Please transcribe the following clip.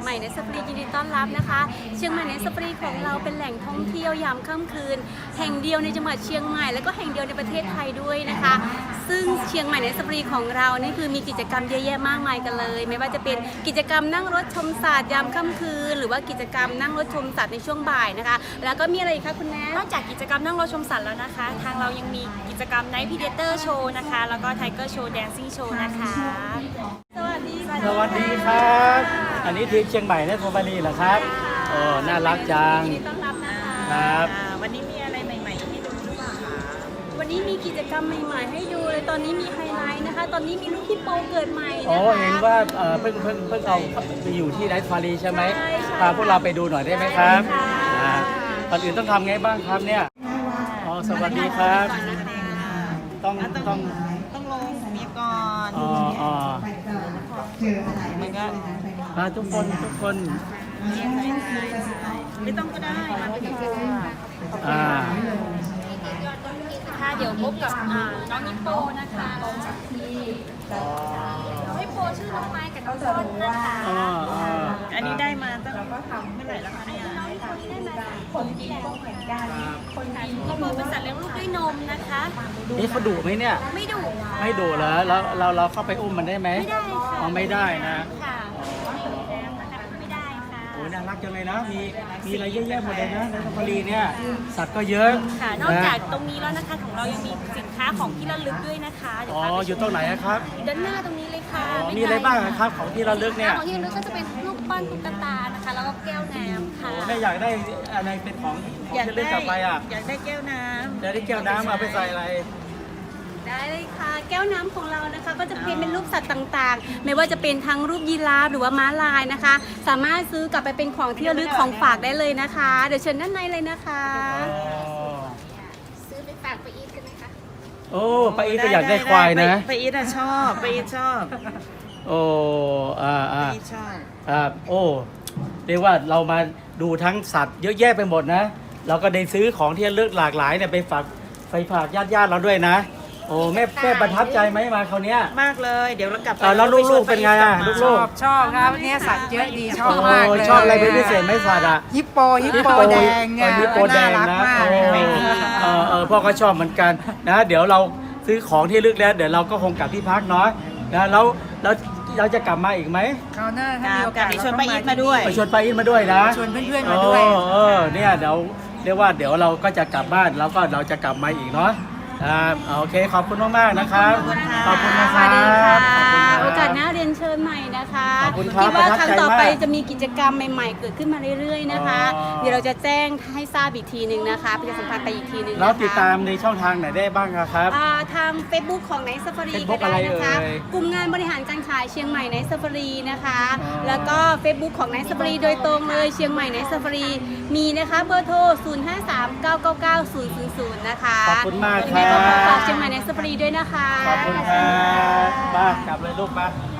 ม่ในซาฟารียินดีต้อนรับนะคะเชียงใหม่ในซาฟารีของเราเป็นแหล่งท่องเที่ยวยามค่ำคืนแห่งเดียวในจังหวัดเชียงใหม่และก็แห่งเดียวในประเทศไทยด้วยนะคะซึ่งเชียงใหม่ในซาฟารีของเรานี่คือมีกิจกรรมเยอะแยะมากมายกันเลยไม่ว่าจะเป็นกิจกรรมนั่งรถชมสัตว์ยามค่ำคืนหรือว่ากิจกรรมนั่งรถชมสัตว์ในช่วงบ่ายนะคะแล้วก็มีอะไรอีกคะคุณแม่นอกจากกิจกรรมนั่งรถชมสัตว์แล้วนะคะทางเรายังมีกิจกรรม Night Predator Show นะคะแล้วก็ Tiger Show Dancing Show นะคะสวัสดีค่ะสวัสดีครับ อันนี้ทีมเชียงใหม่ในซาฟารีเหรอครับโอ้น่ารักจังยินดีต้อนรับนะคะครับวันนี้มีอะไรใหม่ๆให้ดูหรือเปล่าคะวันนี้มีกิจกรรมใหม่ๆให้ดูเลยตอนนี้มีไฮไลท์นะคะ ตอนนี้มีลูกฮิปโปเกิดใหม่นะคะโอ้เห็นว่าเพิ่งเอาไปอยู่ที่ไนท์ซาฟารีใช่ไหมใช่ค่ะพาพวกเราไปดูหน่อยได้ไหมครับได้ค่ะก่อนอื่นต้องทำไงบ้างครับเนี่ยอ๋อสวัสดีครับต้องต้องลงมีก่อนอ๋อมันก็ทุกคนไม่ต้องก็ได้มาเป็นตัวค่ะเดี๋ยวพบกับน้องฮิปโปนะคะน้องฮิปโปชื่อน้องไม้กับน้องต้นนะคะอันนี้ได้มาตั้งเมื่อไหร่แล้วคะเนี่ยคนที่แล้วเหมือนกันคนกินฮิปโปเป็นสัตว์เลี้ยงลูกด้วยนมนะคะนี่เขาดุไหมเนี่ยไม่ดุค่ะไม่ดุเหรอแล้วเราเข้าไปอุ้มมันได้ไหมไม่ได้ค่ะอ๋อไม่ได้นะค่ะไม่ได้ค่ะโอ้ยน่ารักจังเลยนะ มีอะไรเยอะแยะหมดเลยนะในซาฟารีเนี่ย สัตว์ก็เยอะค่ะนอกจากตรงนี้แล้วนะคะของเรายังมีสินค้าของที่ระลึกด้วยนะคะเดี๋ยวอ๋อพาไปอยู่ตรงไหนอะครับด้านหน้าตรงนี้เลยค่ะมีอะไรบ้างอะครับของที่ระลึกเนี่ยของที่ระลึกก็จะเป็นรูปปั้นตุ๊กตานะคะ แล้วก็แก้วน้ำค่ะโอ้แม่อยากได้อะไรเป็นของที่ระลึกกลับไปอะอยากได้แก้วน้ำเดี๋ยวได้แก้วน้ำเอาไปใส่อะไรได้เลยค่ะ แก้วน้ำของเรานะคะก็จะเป็นรูปสัตว์ต่างๆ ไม่ว่าจะเป็นทั้งรูปยีราฟหรือว่าม้าลายนะคะ สามารถซื้อกลับไปเป็นของที่ระลึกของฝากได้เลยนะคะ เดี๋ยวเชิญด้านในเลยนะคะ ซื้อไปฝากไปอีทกันไหมคะโอ้ป้าอีทก็อยากได้ควายนะไปอีทอะชอบไปอีทชอบโอ้ไปอีทชอบโอ้เรียกว่าเรามาดูทั้งสัตว์เยอะแยะไปหมดนะ เราก็ได้ซื้อของที่ระลึกหลากหลายเนี่ยไปฝากญาติเราด้วยนะ โอ้แม่ประทับใจไหมมาคราวเนี้ยมากเลยเดี๋ยวเรากลับไปแล้วลูกๆเป็นไงอะลูกชอบครับเนี่ยสัตว์เยอะดีชอบมากเลยชอบอะไรเป็นพิเศษไหมสัตว์อะฮิปโปแดงเนี่ยฮิปโปแดงน่ารักนะมากพ่อก็ชอบเหมือนกันนะเดี๋ยวเราซื้อของที่ลึกแล้วเดี๋ยวเราก็คงกลับที่พักเนาะนะแล้วเราจะกลับมาอีกไหมคราวหน้าถ้ามีโอกาสเดี๋ยวชวนป้าอีทมาด้วยไปชวนป้าอินมาด้วยนะชวนเพื่อนๆมาด้วยเนี่ยเดี๋ยวเรียกว่าเดี๋ยวเราก็จะกลับบ้านแล้วก็เราจะกลับมาอีกเนาะโอเคขอบคุณมากๆนะครับขอบคุณนะสครัวัสดีค่ะบขอบคุณครับโอกาสหน้าเรียนเชิญใหม่นะคะขอบคุณครับดว่าครั้งต่อไปประทับใจมากจะมีกิจกรรมใหม่ๆ เกิดขึ้นมาเรื่อยๆนะคะอ๋อเดี๋ยวเราจะแจ้งให้ทราบอีกทีหนึ่งนะคะประชาสัมพันธ์ไปอีกทีหนึ่งนะคะแล้วติดตามในช่องทางไหนได้บ้างอะครับทาง Facebook ของไนท์ซาฟารี Facebook ก็ได้นะคะอะไรเอ่ยกลุ่มงานบริหารการขายเชียงใหม่ไนท์ซาฟารีนะคะอ๋อแล้วก็ Facebook ของไนท์ซาฟารีโดยตรงเลยเชียงใหม่ไนท์ซาฟารีมีนะคะเบอร์โทร 0539999000 นะคะขอบคุณมากยังคไงรัก็ขอฝากบเชียงใหม่ไนท์ซาฟารีด้วยนะคะขอบคุณครับบ้ากลับเลยลูกมาค